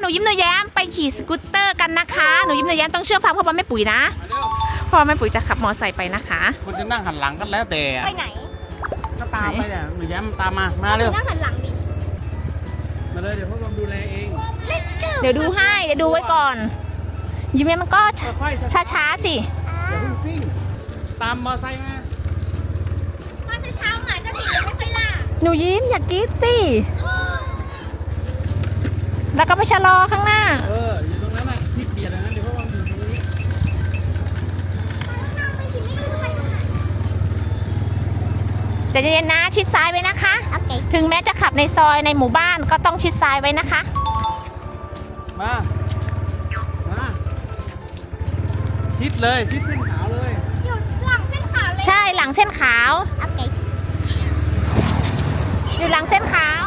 ยิ้มหนูแย้มไปขี่สกูตเตอร์กันนะคะหนูยิ้มหนูแย้มต้องเชื่อฟังพ่อแม่ปุ๋ยนะพ่อแม่ปุ๋ยจะขับมอไซค์ไปนะคะคุณจะนั่งหันหลังกันแล้วแต่ไปไหนก็ตามไปเนี่ยหนูแย้มตามมาเร็วนั่งหันหลังดิมาเลยเดี๋ยวพวกเราดูแลเอง Let's go เดี๋ยวดูให้เดี๋ยวดูไว้ก่อน ยิ้มแย้มมันก็ค่อยๆช้าๆสิอย่าเพิ่งซิ่งตามมอไซค์มาตอนเช้าหมาจะผิดไม่ค่อยล่าหนูยิ้มอย่ากรี๊ดสิแล้วก็ไปชะลอข้างหน้าอยู่ตรงนั้นน่ะที่เบียดนะเดี๋ยวพวกเราอยู่ตรงนี้ใจเย็นๆนะชิดซ้ายไว้นะคะโอเคถึงแม้จะขับในซอยในหมู่บ้านก็ต้องชิดซ้ายไว้นะคะมาชิดเลยชิดเส้นขาวเลยอยู่หลังเส้นขาวเลยใช่หลังเส้นขาวโอเคอยู่หลังเส้นขาว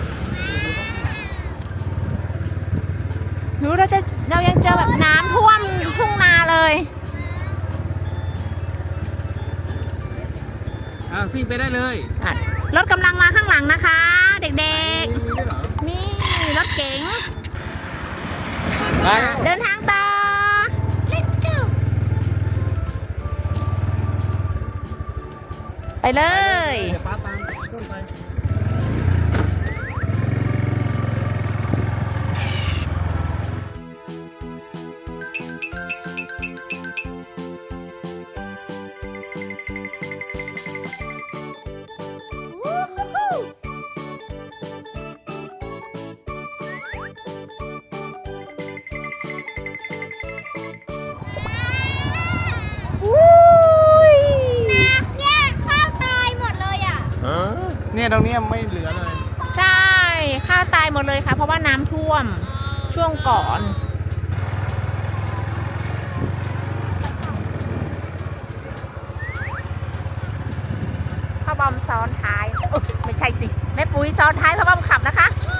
เรายังเจอแบบน้ำท่วมทุ่งนาเลยซิ่งไปได้เลยอ่ะรถกำลังมาข้างหลังนะคะ เด็กมีด้วยเหรอๆมีรถเก๋งมาเดินทางต่อ Let's go ไปเลยเดี๋ยวป้าตามต้นไปเนี่ยข้าวตายหมดเลยอ่ะเนี่ยตรงนี้ไม่เหลือเลยใช่ข้าวตายหมดเลยค่ะ เพราะว่าน้ำท่วมช่วงก่อน พ่อบอมซ้อนท้ายไม่ใช่สิแม่ปุ๋ยซ้อนท้ายพ่อบอมขับนะคะ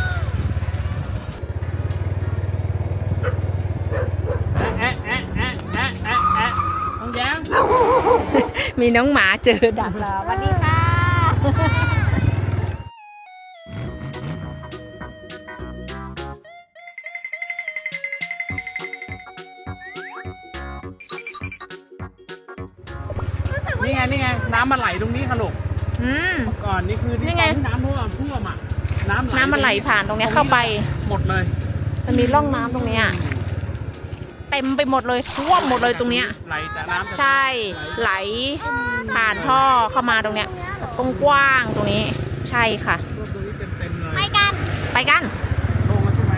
น้องแย้มมีน้องหมาเจอดักรอสวัสดีค่ะนี่ไงน้ำมันไหลตรงนี้ค่ะลูกอืมเมื่อก่อนนี่คือนี่ไงตอนที่น้ำท่วมอ่ะน้ำมันไหลผ่านตรงเนี้ยเข้าไปหมดเลยมันมีร่องน้ำตรงเนี้ยเต็มไปหมดเลยท่วมหมดเลยตรงเนี้ยไหลแต่น้ำใช่ไหลผ่านท่อเข้ามาตรงเนี้ยกว้างๆตรงนี้ ใช่ค่ะท่วมตรงนี้เต็มเลยไปกันไปกันลงมาใช่ไหม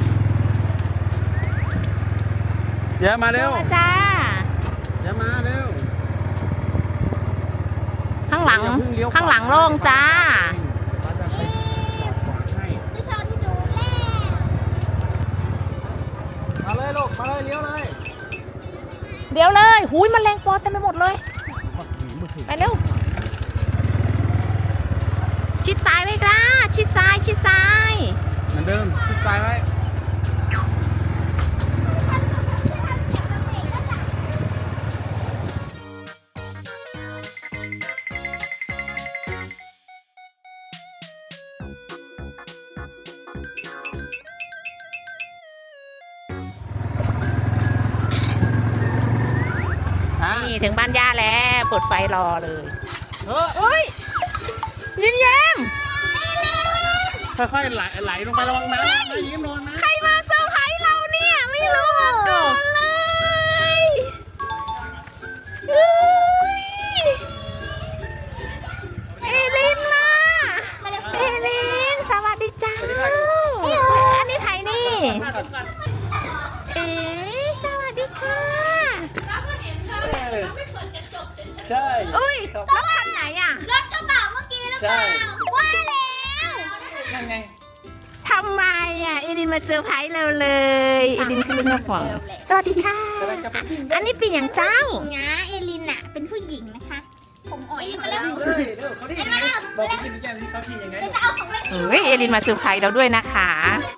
แย้มมาเร็วจ้าแย้มมาเร็วข้างหลังอย่าเพิ่งเลี้ยวขวาข้างหลังโล่งจ้าป้าจะไปจอดขวางให้จะชนดูแล้วมาเลยลูกมาเลยเลี้ยวเลยเดี๋ยวเลยหุยแมันแรงปอเต็มไปหมดเลย ไปเร็ว ชิดซ้ายไว้จ้าชิดซ้ายชิดซ้ายเหมือนเดิมชิดซ้ายไว้นี่ถึงบ้านย่าแล้วเปิดไฟรอเลยเออเฮ้ยยิ้มแย้มค่อยๆไหลลงไประวังน้ำนะยิ้มระวังนะใครมาเซอร์ไพรส์เราเนี่ยไม่รู้มาก่อนเลยเฮ้ยเอลินมาเอลินสวัสดีจ้าอันนี้ใครนี่ เอ๋สวัสดีค่ะใช่อุ้ยรถคันไหนอ่ะรถกระบะเมื่อกี้หรือเปล่าว่าแล้วนั่นไงทำไมอ่ะเอลินมาเซอร์ไพรส์เราเลยเอลินคือเจ้าของสวัสดีค่ะ อันนี้เป็นอย่างเจ้าหญิงนะเอลินอะเป็นผู้หญิงนะคะ ผมอ่อยมาแล้วเขาที่ยังไงบอกพี่กินยังเขาที่ยังไงจะเอาของเล่นเฮ้ยเอลินมาเซอร์ไพรส์เราด้วยนะคะ